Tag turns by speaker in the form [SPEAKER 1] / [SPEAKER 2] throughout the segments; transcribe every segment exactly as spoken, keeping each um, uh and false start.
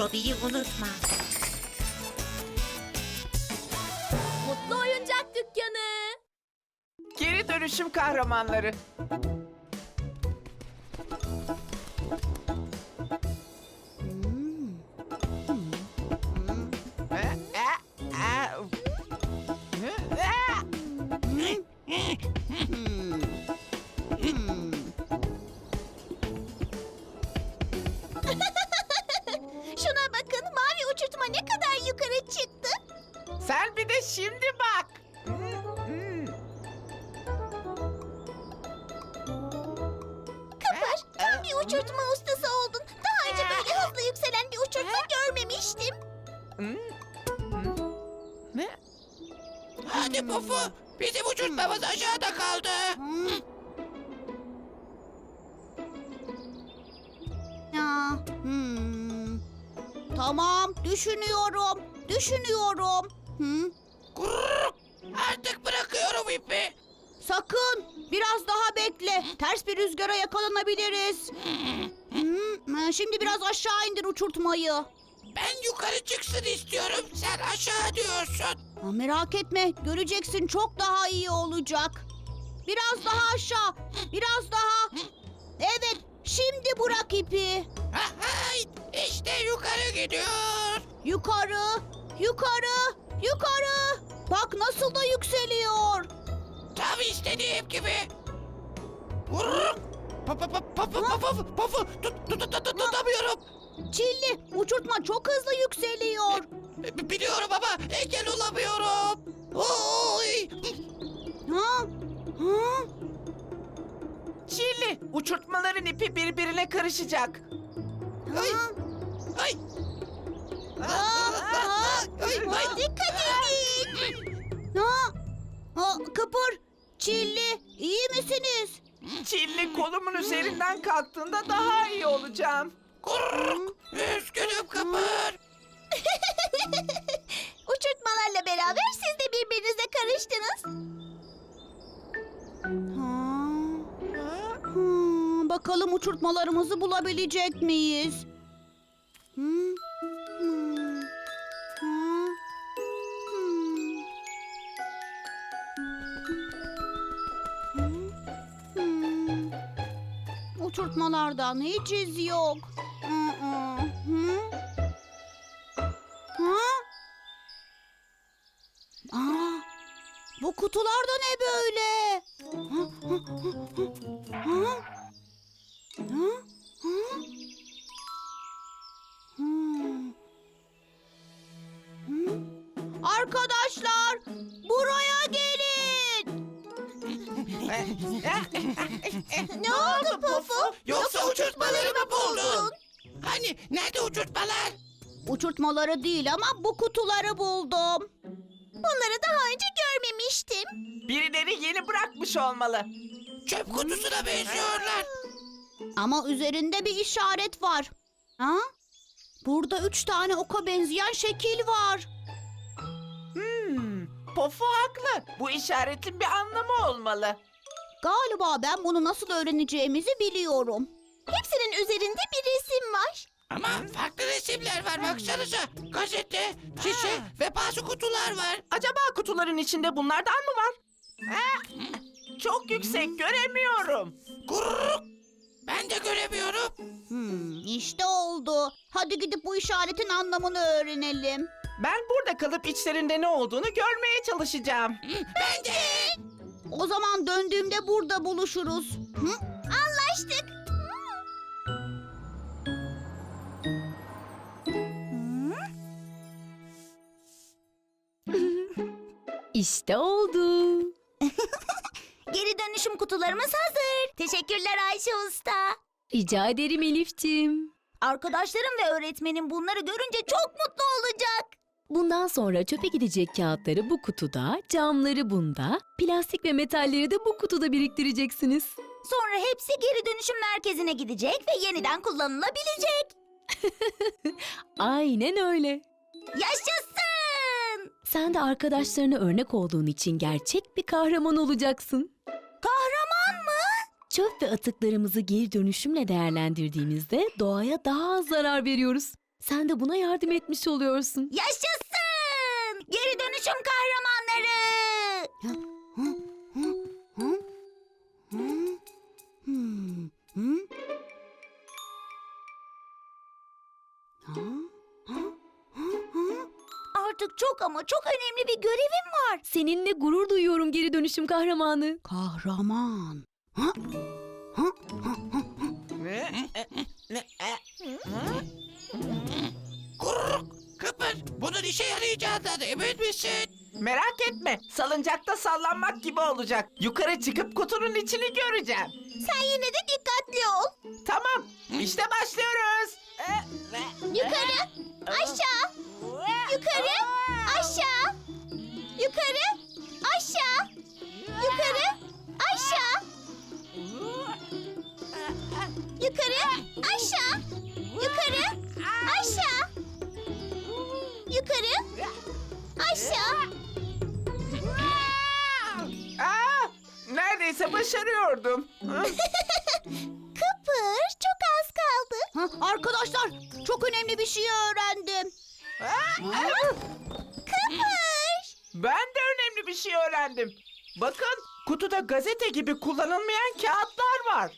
[SPEAKER 1] Robi'yi unutma.
[SPEAKER 2] Mutlu Oyuncak Dükkanı.
[SPEAKER 3] Geri dönüşüm kahramanları.
[SPEAKER 2] Şuna bakın, mavi uçurtma ne kadar yukarı çıktı.
[SPEAKER 3] Sen bir de şimdi bak.
[SPEAKER 2] Kıpır, tam bir uçurtma ustası oldun. Daha önce böyle hızlı yükselen bir uçurtma görmemiştim.
[SPEAKER 3] Ne?
[SPEAKER 4] Hadi Pufu, bizim uçurtmamız aşağıda kaldı.
[SPEAKER 5] Ya, hmm. Tamam, düşünüyorum, düşünüyorum. Hı?
[SPEAKER 4] Kurrrk! Artık bırakıyorum ipi.
[SPEAKER 5] Sakın, biraz daha bekle. Ters bir rüzgara yakalanabiliriz. Hı, Şimdi biraz aşağı indir uçurtmayı.
[SPEAKER 4] Ben yukarı çıksın istiyorum, sen aşağı diyorsun.
[SPEAKER 5] Ha, merak etme, göreceksin çok daha iyi olacak. Biraz daha aşağı, biraz daha. Evet, şimdi bırak ipi.
[SPEAKER 4] Hay, işte yukarı gidiyor.
[SPEAKER 5] Yukarı, yukarı, yukarı. Bak nasıl da yükseliyor.
[SPEAKER 4] Tam istediğim gibi. Kurrrk! Pufu, pufu, pufu, pufu, pufu, tut, tut, tut, tut, tutamıyorum.
[SPEAKER 5] Çilli, uçurtma çok hızlı yükseliyor.
[SPEAKER 4] B- Biliyorum ama engel olamıyorum. Oy!
[SPEAKER 5] Ha? Ha?
[SPEAKER 3] Çilli, uçurtmaların ipi birbirine karışacak.
[SPEAKER 4] Ay!
[SPEAKER 5] Ha?
[SPEAKER 4] Ay!
[SPEAKER 5] Aa, aa,
[SPEAKER 4] Ay! Ay!
[SPEAKER 5] Dikkat edin. Ha? Ha, Kıpır, Çilli, iyi misiniz?
[SPEAKER 3] Çilli kolumun üzerinden kalktığında daha iyi olacağım.
[SPEAKER 4] Kurrrk! Üzgünüm Kıpır.
[SPEAKER 2] Uçurtmalarla beraber siz de birbirinize karıştınız.
[SPEAKER 5] Ha? Hmm, bakalım uçurtmalarımızı bulabilecek miyiz? Hmm, hmm, ha, hmm. Hmm, hmm. Uçurtmalardan hiç iz yok. Hı hı. Hı? Ha? Aa, bu kutular da ne böyle? Ha, ha, ha, ha. Ha? Ha? Hmm. Hmm. Arkadaşlar, buraya gelin.
[SPEAKER 2] Ne oldu Pufu?
[SPEAKER 4] Yoksa uçurtmalarımı buldun? Hani nerede uçurtmalar?
[SPEAKER 5] Uçurtmaları değil ama bu kutuları buldum.
[SPEAKER 2] Bunları daha önce görmemiştim.
[SPEAKER 3] Birileri yeni bırakmış olmalı.
[SPEAKER 4] Çöp kutusuna benziyorlar.
[SPEAKER 5] Ama üzerinde bir işaret var. Ha? Burada üç tane oka benzeyen şekil var.
[SPEAKER 3] Hmm, Pofu haklı. Bu işaretin bir anlamı olmalı.
[SPEAKER 5] Galiba ben bunu nasıl öğreneceğimizi biliyorum.
[SPEAKER 2] Hepsinin üzerinde bir resim var.
[SPEAKER 4] Ama farklı resimler var baksanıza. Gazete, şişe ve bazı kutular var.
[SPEAKER 3] Acaba kutuların içinde bunlardan mı var? Ha? Çok yüksek, göremiyorum.
[SPEAKER 4] Kurrrk! Ben de göremiyorum.
[SPEAKER 5] Hmm, işte oldu. Hadi gidip bu işaretin anlamını öğrenelim.
[SPEAKER 3] Ben burada kalıp içlerinde ne olduğunu görmeye çalışacağım.
[SPEAKER 4] Ben de.
[SPEAKER 5] O zaman döndüğümde burada buluşuruz. Hı?
[SPEAKER 2] Anlaştık.
[SPEAKER 6] İşte oldu.
[SPEAKER 2] Geri dönüşüm kutularımız hazır. Teşekkürler Ayşe Usta.
[SPEAKER 6] Rica ederim Elif'ciğim.
[SPEAKER 2] Arkadaşlarım ve öğretmenim bunları görünce çok mutlu olacak.
[SPEAKER 6] Bundan sonra çöpe gidecek kağıtları bu kutuda, camları bunda, plastik ve metalleri de bu kutuda biriktireceksiniz.
[SPEAKER 2] Sonra hepsi geri dönüşüm merkezine gidecek ve yeniden kullanılabilecek.
[SPEAKER 6] Aynen öyle.
[SPEAKER 2] Yaşasın!
[SPEAKER 6] Sen de arkadaşlarına örnek olduğun için gerçek bir kahraman olacaksın.
[SPEAKER 2] Kahraman mı?
[SPEAKER 6] Çöp ve atıklarımızı geri dönüşümle değerlendirdiğimizde doğaya daha az zarar veriyoruz. Sen de buna yardım etmiş oluyorsun.
[SPEAKER 5] Yaşasın! Geri dönüşüm kahramanları! Hmm, hmm. Artık çok ama çok önemli bir görevim var.
[SPEAKER 6] Seninle gurur duyuyorum geri dönüşüm kahramanı.
[SPEAKER 5] Kahraman. Ha? Ha?
[SPEAKER 4] Gururuk. Kıpır. Bunun işe yarayacağından emin misin?
[SPEAKER 3] Merak etme. Salıncakta sallanmak gibi olacak. Yukarı çıkıp kutunun içini göreceğim.
[SPEAKER 2] Sen yine de dikkatli ol.
[SPEAKER 3] Tamam. İşte başlıyoruz.
[SPEAKER 2] Yukarı, aşağı, yukarı, aşağı, yukarı, aşağı, yukarı, aşağı, yukarı, aşağı, yukarı, aşağı, yukarı, aşağı.
[SPEAKER 3] Aa, neredeyse başarıyordum. Hı?
[SPEAKER 2] Kıpır, çok az kaldı.
[SPEAKER 5] Ha, arkadaşlar çok önemli bir şey öğrendim.
[SPEAKER 2] Kıpır.
[SPEAKER 3] Ben de önemli bir şey öğrendim. Bakın, kutuda gazete gibi kullanılmayan kağıtlar var.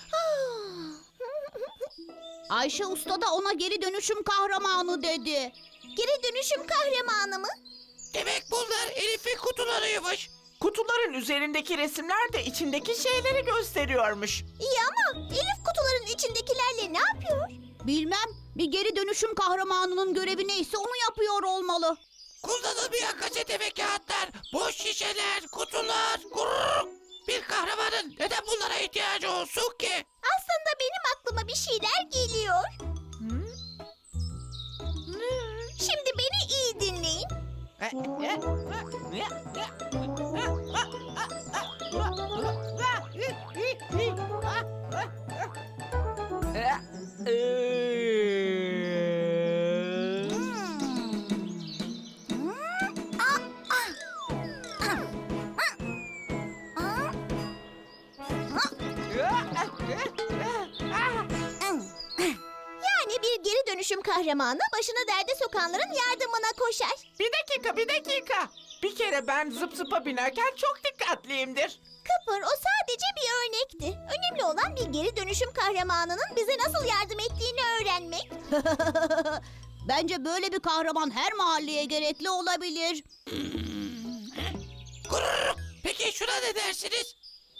[SPEAKER 5] Ayşe Usta da ona geri dönüşüm kahramanı dedi.
[SPEAKER 2] Geri dönüşüm kahramanı mı?
[SPEAKER 4] Demek bunlar Elif'in kutularıymış.
[SPEAKER 3] Kutuların üzerindeki resimler de içindeki şeyleri gösteriyormuş.
[SPEAKER 2] İyi ama Elif kutuların içindekilerle ne yapıyor?
[SPEAKER 5] Bilmem, bir geri dönüşüm kahramanının görevi neyse onu yapıyor olmalı.
[SPEAKER 4] Kullanılmayan gazete ve kağıtlar, boş şişeler, kutular. Gururuk. Bir kahramanın neden bunlara ihtiyacı olsun ki?
[SPEAKER 2] Aslında benim aklıma bir şeyler geliyor. Şimdi beni iyi dinleyin. Yani bir geri dönüşüm kahramanı başını derde sokanların yardımına koşar.
[SPEAKER 3] Bir dakika, bir dakika. Bir kere ben zıp zıpa binerken çok dikkatliyimdir.
[SPEAKER 2] Kıpır o sadece bir örnekti. Önemli olan bir geri dönüşüm kahramanının bize nasıl yardım ettiğini öğrenmek.
[SPEAKER 5] Bence böyle bir kahraman her mahalleye gerekli olabilir.
[SPEAKER 4] Gururuk. Peki şuna ne dersiniz?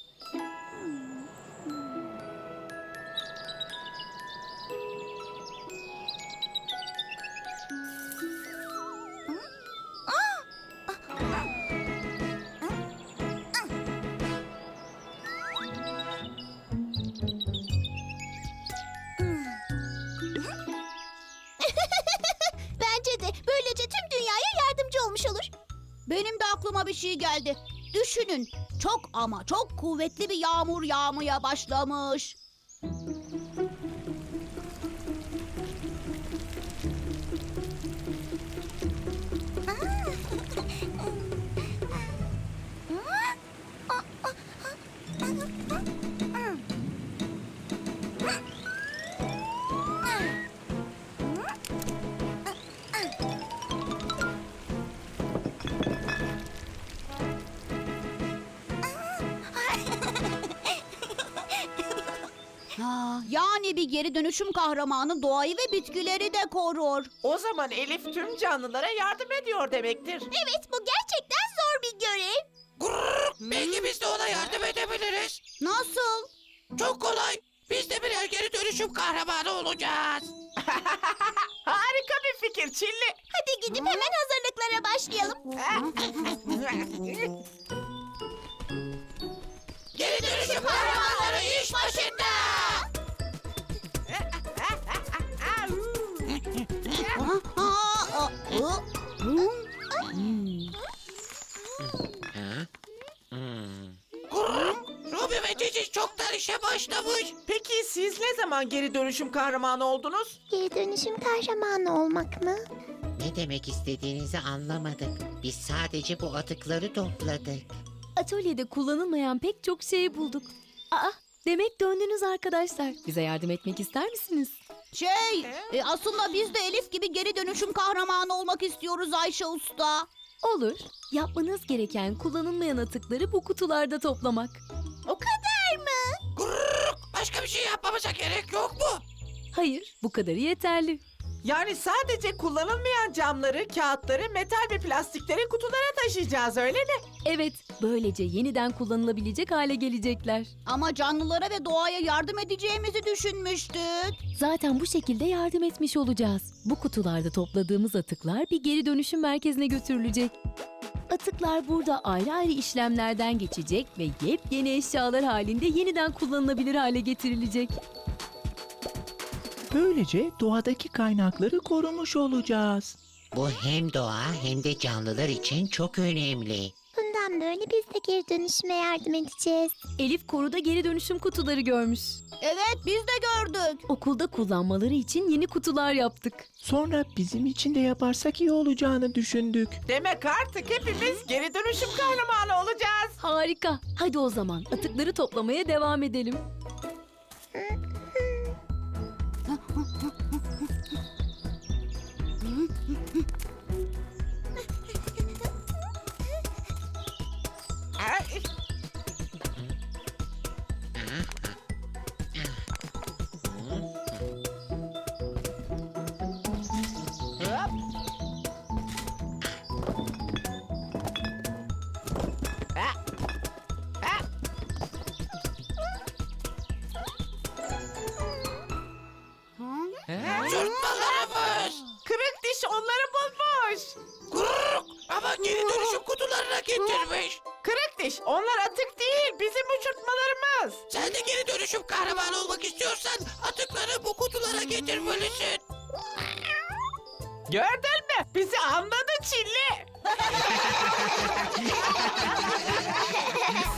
[SPEAKER 2] Bence de böylece tüm dünyaya yardımcı olmuş olur.
[SPEAKER 5] Benim de aklıma bir şey geldi. Düşünün, çok ama çok kuvvetli bir yağmur yağmaya başlamış. Ha, yani bir geri dönüşüm kahramanı doğayı ve bitkileri de korur.
[SPEAKER 3] O zaman Elif tüm canlılara yardım ediyor demektir.
[SPEAKER 2] Evet bu gerçekten zor bir görev.
[SPEAKER 4] Gururuk. Belki biz de ona yardım edebiliriz.
[SPEAKER 5] Nasıl?
[SPEAKER 4] Çok kolay. Biz de birer geri dönüşüm kahramanı olacağız.
[SPEAKER 3] Harika bir fikir Çilli.
[SPEAKER 2] Hadi gidip hemen hazırlıklara başlayalım.
[SPEAKER 4] Geri dönüşüm kahramanları iş başında.
[SPEAKER 5] Ha, ha, ha, hı, hı. Hmm.
[SPEAKER 4] Gururuk. Ruby ve Cici çoktan işe başlamış.
[SPEAKER 3] Peki siz ne zaman geri dönüşüm kahramanı oldunuz?
[SPEAKER 2] Geri dönüşüm kahramanı olmak mı?
[SPEAKER 1] Ne demek istediğinizi anlamadık. Biz sadece bu atıkları topladık.
[SPEAKER 6] Atölyede kullanılmayan pek çok şey bulduk. Aa, Demek döndünüz arkadaşlar. Bize yardım etmek ister misiniz?
[SPEAKER 5] Şey, e, aslında biz de Elif gibi geri dönüşüm kahramanı olmak istiyoruz Ayşe Usta.
[SPEAKER 6] Olur. Yapmanız gereken kullanılmayan atıkları bu kutularda toplamak.
[SPEAKER 2] O kadar mı?
[SPEAKER 4] Gururuk. Başka bir şey yapmamıza gerek yok mu?
[SPEAKER 6] Hayır, bu kadarı yeterli.
[SPEAKER 3] Yani sadece kullanılmayan camları, kağıtları, metal ve plastikleri kutulara taşıyacağız öyle mi?
[SPEAKER 6] Evet, böylece yeniden kullanılabilecek hale gelecekler.
[SPEAKER 5] Ama canlılara ve doğaya yardım edeceğimizi düşünmüştük.
[SPEAKER 6] Zaten bu şekilde yardım etmiş olacağız. Bu kutularda topladığımız atıklar bir geri dönüşüm merkezine götürülecek. Atıklar burada ayrı ayrı işlemlerden geçecek ve yepyeni eşyalar halinde yeniden kullanılabilir hale getirilecek.
[SPEAKER 7] Böylece doğadaki kaynakları korumuş olacağız.
[SPEAKER 1] Bu hem doğa hem de canlılar için çok önemli.
[SPEAKER 2] Bundan böyle biz de geri dönüşüme yardım edeceğiz.
[SPEAKER 6] Elif koruda geri dönüşüm kutuları görmüş.
[SPEAKER 5] Evet, biz de gördük.
[SPEAKER 6] Okulda kullanmaları için yeni kutular yaptık.
[SPEAKER 7] Sonra bizim için de yaparsak iyi olacağını düşündük.
[SPEAKER 3] Demek artık hepimiz geri dönüşüm kahramanı olacağız.
[SPEAKER 6] Harika. Hadi o zaman atıkları toplamaya devam edelim.
[SPEAKER 3] Ay. Hop. Ha. Ha. Ha.
[SPEAKER 4] Sürtmalarımız.
[SPEAKER 3] Kırık diş onları bulmuş.
[SPEAKER 4] Gururuk. Ama geri dönüşüm kutularına getirmiş.
[SPEAKER 3] Kırık diş onlar atık değil bizim uçurtmalarımız.
[SPEAKER 4] Sen de geri dönüşüm kahramanı olmak istiyorsan atıkları bu kutulara getirmelisin.
[SPEAKER 3] Gördün mü? Bizi anladı Çilli.